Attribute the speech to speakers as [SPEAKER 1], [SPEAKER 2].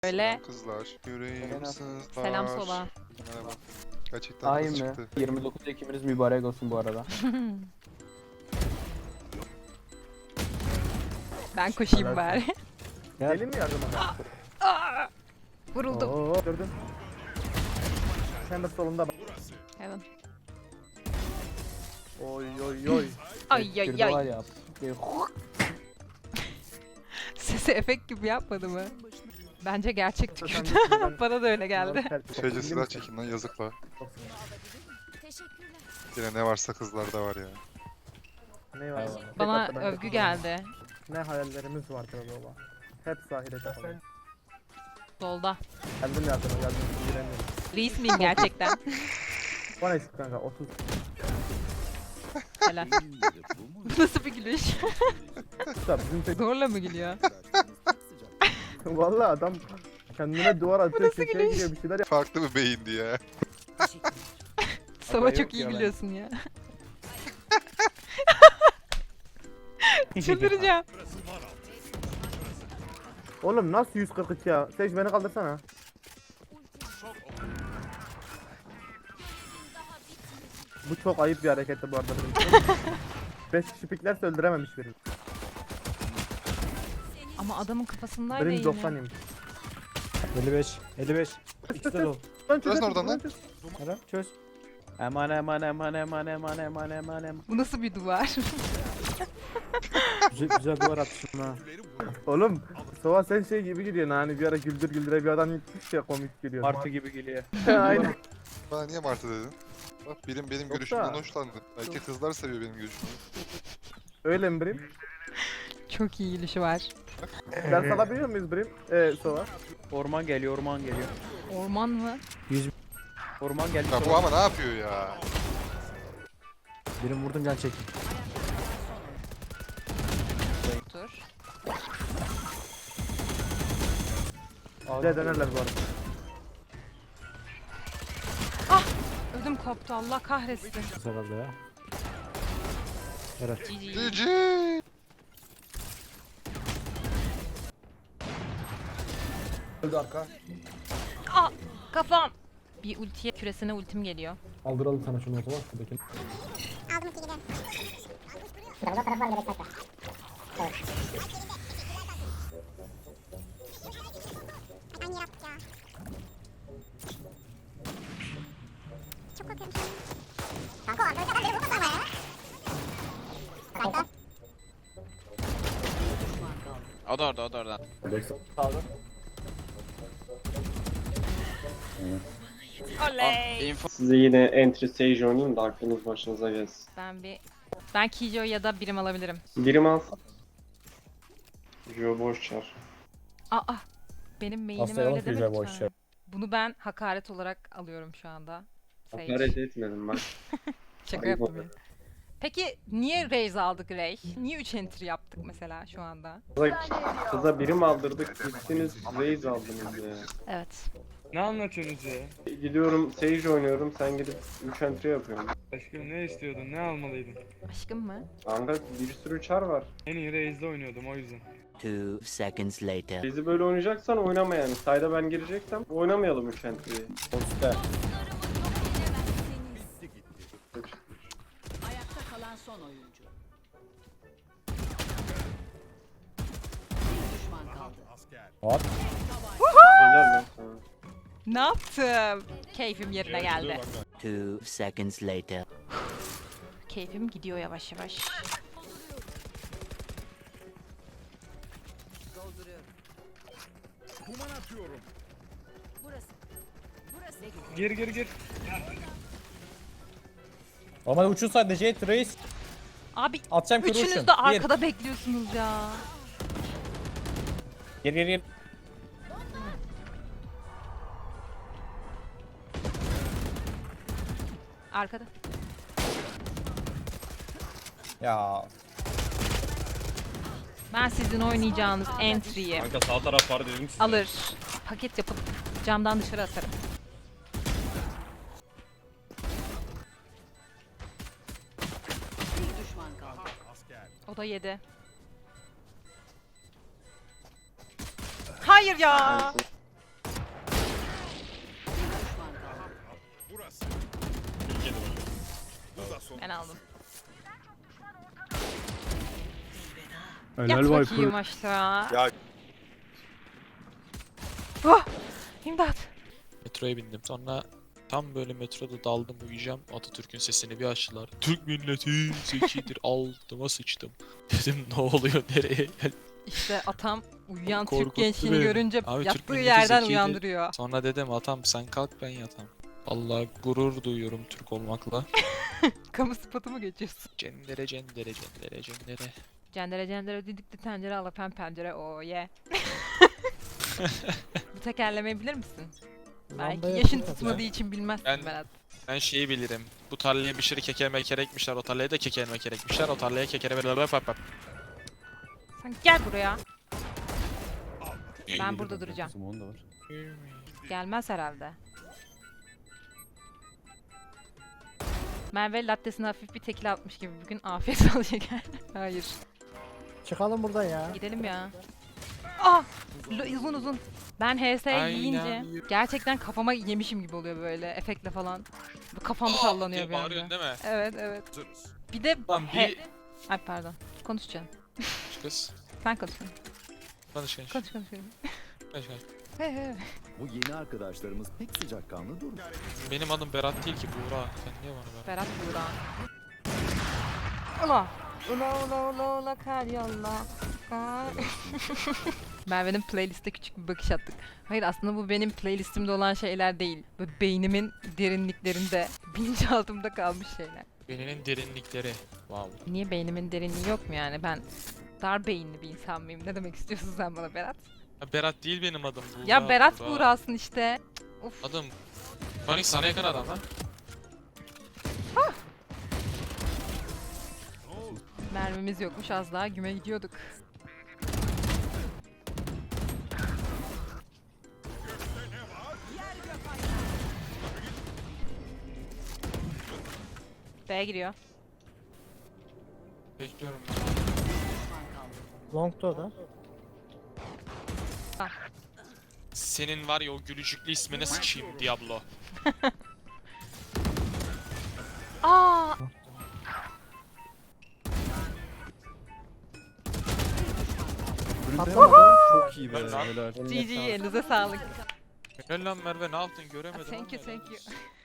[SPEAKER 1] Öyle.
[SPEAKER 2] Selam kızlar. Yüreğim sızlar.
[SPEAKER 1] Selam sola.
[SPEAKER 2] Merhaba. Gerçekten
[SPEAKER 3] Ay
[SPEAKER 2] kız
[SPEAKER 3] mı?
[SPEAKER 2] çıktı.
[SPEAKER 3] 29 Ekim'iniz mübarek olsun bu arada.
[SPEAKER 1] Ben koşayım bari.
[SPEAKER 4] Gelin mi yardıma?
[SPEAKER 1] Vuruldum.
[SPEAKER 4] Oo, gördün. Hemen solunda bak.
[SPEAKER 1] Evet.
[SPEAKER 4] Oy oy oy.
[SPEAKER 1] Ay
[SPEAKER 3] Bir
[SPEAKER 1] ay
[SPEAKER 3] de var
[SPEAKER 1] ay.
[SPEAKER 3] ya. bir-
[SPEAKER 1] Sesi efekt gibi yapmadı mı? Bence gerçek
[SPEAKER 4] Sen
[SPEAKER 1] tükürdü.
[SPEAKER 4] ben-
[SPEAKER 1] Bana da öyle geldi.
[SPEAKER 2] Şeyce silah çekin lan yazıkla. Yine ne varsa kızlarda var ya.
[SPEAKER 4] Ne var?
[SPEAKER 3] Eyvallah.
[SPEAKER 1] Bana
[SPEAKER 4] Tek hatta ben
[SPEAKER 1] övgü
[SPEAKER 4] tek
[SPEAKER 1] geldi.
[SPEAKER 4] Ne hayallerimiz vardır baba. Hep ahirete kalır.
[SPEAKER 1] Solda.
[SPEAKER 4] Geldim yardıma geldim. Giremiyorum.
[SPEAKER 1] Reis miyim gerçekten?
[SPEAKER 4] Bana eksik kanka 30.
[SPEAKER 1] Helal. Bu nasıl bir gülüş?
[SPEAKER 4] Usta bizim tek...
[SPEAKER 1] Zorla mı gülüyor?
[SPEAKER 4] Valla adam kendine duvar atıyor,
[SPEAKER 1] nasıl
[SPEAKER 4] köşeye
[SPEAKER 1] gülüş?
[SPEAKER 4] gidiyor bir şeyler yap.
[SPEAKER 2] Farklı bir beyindi ya.
[SPEAKER 1] Sava
[SPEAKER 4] yok
[SPEAKER 1] çok iyi
[SPEAKER 4] ya ben.
[SPEAKER 1] gülüyorsun ya. Çıldıracağım.
[SPEAKER 4] Oğlum nasıl 143 ya? Sej beni kaldırsana. Bu çok ayıp bir hareketti bu arada. 5 kişi piklerse öldürememiş biri.
[SPEAKER 1] Ama adamın kafasındaydı
[SPEAKER 4] Benim
[SPEAKER 1] yine.
[SPEAKER 4] 90 yemiş.
[SPEAKER 5] 55. 55. İkisi de dolu.
[SPEAKER 4] Lan
[SPEAKER 2] Çözün oradan lan.
[SPEAKER 5] Ara çöz. Eman eman eman eman eman eman eman eman.
[SPEAKER 1] Bu nasıl bir duvar?
[SPEAKER 5] Güzel, güzel duvar atmışsın ha.
[SPEAKER 4] Oğlum Sova sen şey gibi gidiyorsun hani bir ara güldür güldüre bir adam gitmiş ya komik geliyor.
[SPEAKER 5] Martı gibi geliyor.
[SPEAKER 4] Aynen.
[SPEAKER 2] Bana niye Martı dedin? Bak benim
[SPEAKER 4] Yoksa-
[SPEAKER 2] görüşümden hoşlandı. Belki kızlar seviyor benim görüşümü.
[SPEAKER 4] Öyle mi Brim?
[SPEAKER 1] Çok iyi gülüşü var.
[SPEAKER 4] Ders alabiliyor muyuz Brim? Sova.
[SPEAKER 5] Orman geliyor, orman geliyor.
[SPEAKER 1] Orman mı?
[SPEAKER 5] Orman geldi.
[SPEAKER 2] Ya bu ama ne yapıyor ya?
[SPEAKER 5] Birim vurdum can çekin.
[SPEAKER 1] Dur.
[SPEAKER 4] Bir de dönerler bu arada.
[SPEAKER 1] Ödüm koptu Allah kahretsin.
[SPEAKER 5] Kısa kaldı ya. Evet.
[SPEAKER 1] GG.
[SPEAKER 2] Cici.
[SPEAKER 1] Kafam. Bir ultiye küresine ultim geliyor.
[SPEAKER 6] Aldıralım sana şunu o zaman. Şuradaki.
[SPEAKER 7] O da orada, o da orada.
[SPEAKER 1] Oley.
[SPEAKER 7] Info.
[SPEAKER 8] Size yine entry stage oynayayım da aklınız başınıza gelsin.
[SPEAKER 1] Ben Kijo ya da birim alabilirim.
[SPEAKER 8] Birim al. Jo boş çar.
[SPEAKER 1] Aa. Benim main'im
[SPEAKER 6] Hastayalım
[SPEAKER 1] öyle deme
[SPEAKER 6] Kijo'ya boş
[SPEAKER 1] lütfen. Bunu ben hakaret olarak alıyorum şu anda. Sage.
[SPEAKER 8] Hakaret etmedim bak.
[SPEAKER 1] Şaka
[SPEAKER 8] Ayıp
[SPEAKER 1] yaptım ya. Peki niye Raze aldık Ray? Niye 3 entry yaptık mesela şu anda?
[SPEAKER 8] Kıza birim aldırdık. Gittiniz raise aldınız ya.
[SPEAKER 1] Evet.
[SPEAKER 9] Ne anlatıyorsunuz ya?
[SPEAKER 8] Gidiyorum sage oynuyorum. Sen gidip 3 entry yapıyorsun.
[SPEAKER 9] Aşkım ne istiyordun? Ne almalıydın?
[SPEAKER 1] Aşkım mı?
[SPEAKER 8] Kanka bir sürü çar var.
[SPEAKER 9] En iyi Raze'de oynuyordum o yüzden.
[SPEAKER 10] 2 seconds later.
[SPEAKER 8] Bizi böyle oynayacaksan oynama yani. Sayda ben gireceksem oynamayalım 3 entry'yi.
[SPEAKER 5] Poste.
[SPEAKER 11] Ayakta kalan son oyuncu. Bir düşman kaldı.
[SPEAKER 8] Helal lan sana.
[SPEAKER 1] Ne yaptım? Keyfim yerine geldi.
[SPEAKER 10] 2 seconds later.
[SPEAKER 1] Keyfim gidiyor yavaş yavaş.
[SPEAKER 9] Gir gir gir.
[SPEAKER 5] Ama uçun sadece Jet Reis.
[SPEAKER 1] Abi
[SPEAKER 5] Atacağım kuru uçun.
[SPEAKER 1] üçünüz de arkada bekliyorsunuz ya.
[SPEAKER 5] Gir gir gir.
[SPEAKER 1] Arkada.
[SPEAKER 5] Ya.
[SPEAKER 1] Ben sizin oynayacağınız entry'yi
[SPEAKER 5] Kanka sağ taraf var dedim size.
[SPEAKER 1] alır. Paket yapıp camdan dışarı atarım.
[SPEAKER 11] Bir düşman kaldı.
[SPEAKER 1] O da yedi. Hayır ya. Ben aldım.
[SPEAKER 5] Helal
[SPEAKER 1] Yat
[SPEAKER 5] Viper.
[SPEAKER 1] bakayım aşağı.
[SPEAKER 2] Ya.
[SPEAKER 1] Oh! İmdat.
[SPEAKER 7] Metroya bindim. Sonra tam böyle metroda daldım uyuyacağım. Atatürk'ün sesini bir açtılar. Türk milleti zekidir. Altıma sıçtım. Dedim ne oluyor nereye geldim.
[SPEAKER 1] İşte atam uyuyan Türk
[SPEAKER 7] Korkuttu
[SPEAKER 1] gençliğini
[SPEAKER 7] beni.
[SPEAKER 1] görünce
[SPEAKER 7] Abi, Türk
[SPEAKER 1] yattığı
[SPEAKER 7] milleti
[SPEAKER 1] yerden
[SPEAKER 7] zekidir.
[SPEAKER 1] uyandırıyor.
[SPEAKER 7] Sonra dedim atam sen kalk ben yatam. Allah gurur duyuyorum Türk olmakla.
[SPEAKER 1] Kamu spotu mu geçiyorsun?
[SPEAKER 7] Cendere cendere cendere cendere.
[SPEAKER 1] Cendere cendere didikli tencere alapen pencere o ye. Bu tekerlemeyi bilir misin? Belki yaşın tutmadığı için bilmezsin
[SPEAKER 7] Ben-
[SPEAKER 1] Berat.
[SPEAKER 7] Ben şeyi bilirim. Bu tarlaya bir sürü kekere mekere ekmişler. O tarlaya da kekere mekere ekmişler. O tarlaya kekere böyle pap.
[SPEAKER 1] Sen gel buraya. Ben burada duracağım.
[SPEAKER 5] Simon da var.
[SPEAKER 1] Gelmez herhalde. Merve lattesine hafif bir tekil atmış gibi bugün afiyet olacak. Hayır.
[SPEAKER 4] Çıkalım buradan ya.
[SPEAKER 1] Gidelim ya. Ah! Uzun uzun. Ben HS
[SPEAKER 7] Aynen.
[SPEAKER 1] yiyince gerçekten kafama yemişim gibi oluyor böyle efektle falan. Bu kafam sallanıyor bir
[SPEAKER 7] Bağırıyorsun
[SPEAKER 1] anda.
[SPEAKER 7] değil mi?
[SPEAKER 1] Evet evet. Bir de
[SPEAKER 7] Lan bir...
[SPEAKER 1] Ay pardon. Konuşacağım.
[SPEAKER 7] Kız.
[SPEAKER 1] Sen konuş.
[SPEAKER 7] Konuş konuş.
[SPEAKER 1] Konuş.
[SPEAKER 7] Konuş konuş.
[SPEAKER 1] He he.
[SPEAKER 11] Bu yeni arkadaşlarımız pek sıcakkanlı durmuyor.
[SPEAKER 7] Benim adım Berat değil ki Buğra. Sen niye bana Berat?
[SPEAKER 1] Berat Buğra. Ula. Ula kar yolla. Kar. Merve'nin playliste küçük bir bakış attık. Hayır aslında bu benim playlistimde olan şeyler değil. Böyle beynimin derinliklerinde, bilinçaltımda kalmış şeyler.
[SPEAKER 7] Beyninin derinlikleri. Wow.
[SPEAKER 1] Niye beynimin derinliği yok mu yani? Ben dar beyinli bir insan mıyım? Ne demek istiyorsun sen bana Berat?
[SPEAKER 7] Ya Berat değil benim adım Buğra.
[SPEAKER 1] Ya Berat
[SPEAKER 7] Buğra.
[SPEAKER 1] Buğra'sın işte. Cık, Of.
[SPEAKER 7] Adım. Panik sana yakın adam lan.
[SPEAKER 1] Mermimiz yokmuş az daha güme gidiyorduk. B'ye giriyor.
[SPEAKER 7] Bekliyorum.
[SPEAKER 4] Long'da o da.
[SPEAKER 7] Senin var ya o gülücüklü ismine sıçayım Diablo.
[SPEAKER 1] Aa!
[SPEAKER 5] Çok iyi be.
[SPEAKER 7] Ben lan.
[SPEAKER 5] Helal.
[SPEAKER 1] GG elinize sağlık.
[SPEAKER 7] Helal lan Merve ne yaptın göremedim.
[SPEAKER 1] Thank you
[SPEAKER 7] ama helal
[SPEAKER 1] thank you.
[SPEAKER 7] olsun.